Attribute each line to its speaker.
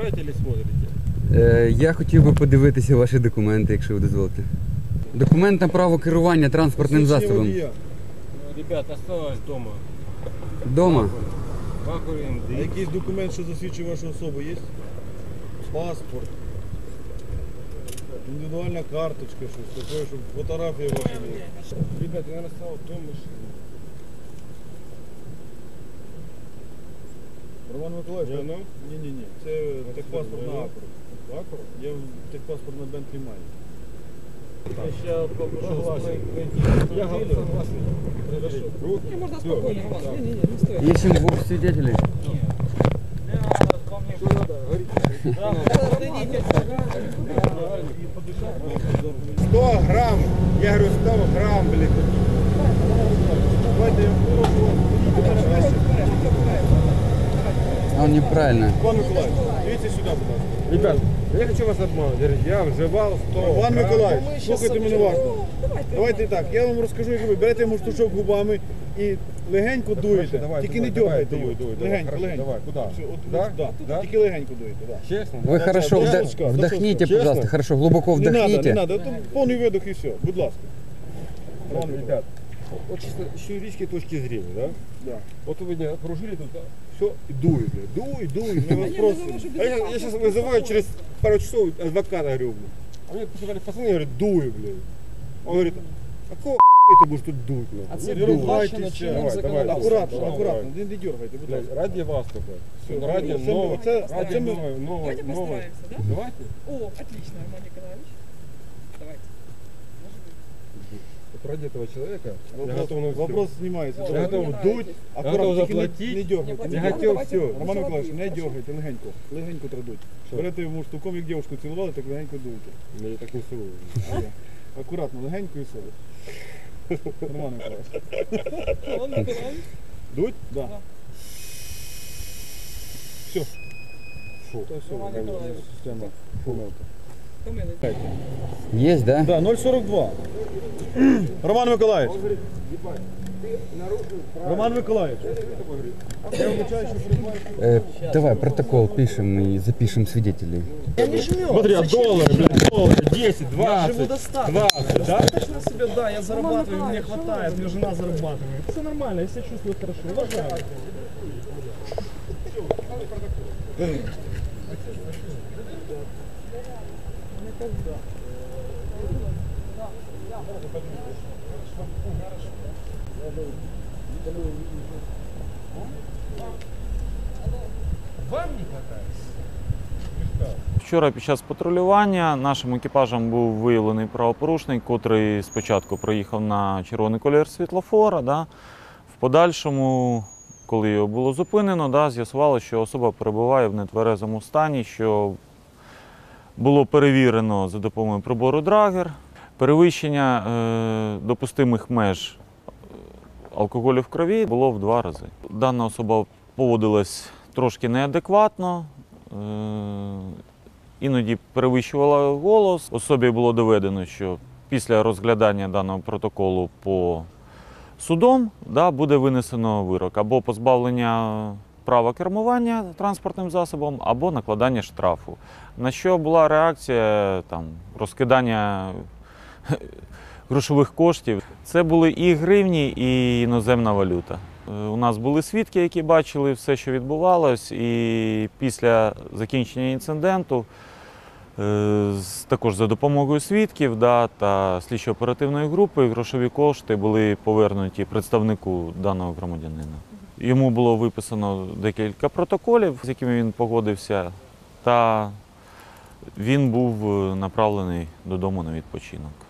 Speaker 1: Открываете или смотрите?
Speaker 2: Я хотів би подивитися ваші документи, якщо ви дозволите. Документ на право керування транспортним засобом.
Speaker 1: Ребят, осталось дома.
Speaker 2: Дома?
Speaker 1: Вакуум,
Speaker 3: А якийсь документ, що засвідчує вашу особу, є? Паспорт, індивідуальна карточка, щось таке, щоб фотографія ваша була.
Speaker 1: Ребят, я настал дом машины.
Speaker 3: Роман Миколаївич,
Speaker 1: Воно?
Speaker 3: ні, це техпаспорт на Акуру.
Speaker 1: Аккуратно.
Speaker 3: Я техпаспорт на Бентлі маю.
Speaker 1: Я сейчас попрошу
Speaker 3: Я согласен.
Speaker 4: Не, можно спокойно, Роман. Не стоит.
Speaker 2: Ищем двух свидетелей.
Speaker 4: Подойдите.
Speaker 3: 100 грамм, я говорю 100 грамм, блин. Давайте я попрошу.
Speaker 2: Он неправильно.
Speaker 3: Роман Миколаївич, дивіться сюди, будь ласка.
Speaker 1: Ребят, я хочу вас обмануть. Я вживал 100
Speaker 3: Роман
Speaker 1: грамм.
Speaker 3: Миколаївич, слухайте мене уважно. Давайте так, я вам розкажу, як ви берете йому штучок губами і легенько дуєте. Тільки не дергайте його. Легенько.
Speaker 1: Давай, куда?
Speaker 3: Все, от,
Speaker 1: Да?
Speaker 3: да.
Speaker 1: Да?
Speaker 3: Тільки легенько дуєте, да.
Speaker 1: Честно?
Speaker 2: Вы хорошо
Speaker 3: Честно?
Speaker 2: вдохните,
Speaker 1: Честно?
Speaker 2: пожалуйста, хорошо, глубоко
Speaker 3: Не
Speaker 2: вдохните.
Speaker 3: надо, это повний видох і все, будь ласка. Роман Миколаївич.
Speaker 1: Ребят, вот чисто с юридической точки зрения, да?
Speaker 3: Да.
Speaker 1: Вот вы меня окружили тут, да? Все, и дует, блядь. Дует.
Speaker 3: Ми вас просимо.
Speaker 1: А я сейчас вызываю через пару часов адвоката, говорю, блядь. А мне сказали, пацаны, говорят, дуй, блядь. Он говорит, а какого ты будешь тут дуть, блядь?
Speaker 4: А це
Speaker 1: Не
Speaker 4: передбачено
Speaker 1: ругайтесь,
Speaker 4: чинним
Speaker 1: давай,
Speaker 4: законодавством.
Speaker 3: Акуратно,
Speaker 1: давай.
Speaker 3: акуратно, не дергайте, будь
Speaker 1: Блядь,
Speaker 3: ласка.
Speaker 1: ради вас только.
Speaker 3: Всё,
Speaker 1: Ради
Speaker 3: це ми-
Speaker 1: нового,
Speaker 3: це-
Speaker 1: ради
Speaker 3: це ми-
Speaker 1: нового.
Speaker 4: Давайте постараемся, да?
Speaker 1: Давайте.
Speaker 4: О, отлично, Роман Николаевич. Давайте.
Speaker 1: Вот ради этого человека я
Speaker 3: Вопрос,
Speaker 1: готов на все.
Speaker 3: вопрос знімається.
Speaker 1: Я
Speaker 4: Ой,
Speaker 1: готов
Speaker 4: мені
Speaker 1: дуть,
Speaker 4: нравитесь.
Speaker 1: я готов
Speaker 3: Акуратно, тільки
Speaker 1: заплатить.
Speaker 3: не дергайте.
Speaker 1: Я
Speaker 4: Ну,
Speaker 1: хотів
Speaker 4: давайте.
Speaker 1: все.
Speaker 3: Роман Миколаївич, не дергайте, легенько. Легенько традуть.
Speaker 1: Що?
Speaker 3: Берете йому штуком, як дівчинку цілували, так легенько дуйте.
Speaker 1: Я так не целую.
Speaker 3: Акуратно, легенько і все. Роман Миколаївич.
Speaker 4: Роман Николаевич.
Speaker 3: Дуть? Да. Все.
Speaker 1: Фу.
Speaker 3: Та все,
Speaker 4: Роман Миколаївич.
Speaker 3: система. Помилка.
Speaker 4: Помилуйте.
Speaker 2: Есть, да?
Speaker 3: Да, 0,42. Роман Миколаївич. Роман Миколаївич. Я вибачаю, що приймаю.
Speaker 2: Давай протокол пишем и запишем свидетелей.
Speaker 4: Я не жмет.
Speaker 1: Смотри, а доллары, блядь, доллары, 10, 20,
Speaker 5: живу достаточно.
Speaker 1: 20, да?
Speaker 5: Достаточно себе, да, я зарабатываю, мне хватает, мне жена зарабатывает. Все нормально, я себя чувствую хорошо, уважаю.
Speaker 6: Вчора під час патрулювання нашим екіпажем був виявлений правопорушник, котрий спочатку проїхав на червоний колір світлофора. В подальшому, коли його було зупинено, з'ясувалося, що особа перебуває в нетверезому стані, що було перевірено за допомогою прибору Драгер. Перевищення допустимих меж алкоголю в крові було в 2 рази. Дана особа поводилась трошки неадекватно, іноді перевищувала голос. Особі було доведено, що після розглядання даного протоколу по судом буде винесено вирок або позбавлення права кермування транспортним засобом, або накладання штрафу. На що була реакція розкидання грошових коштів. Це були і гривні, і іноземна валюта. У нас були свідки, які бачили все, що відбувалось, і після закінчення інциденту, також за допомогою свідків та слідчо-оперативної групи, грошові кошти були повернуті представнику даного громадянина. Йому було виписано декілька протоколів, з якими він погодився, та він був направлений додому на відпочинок.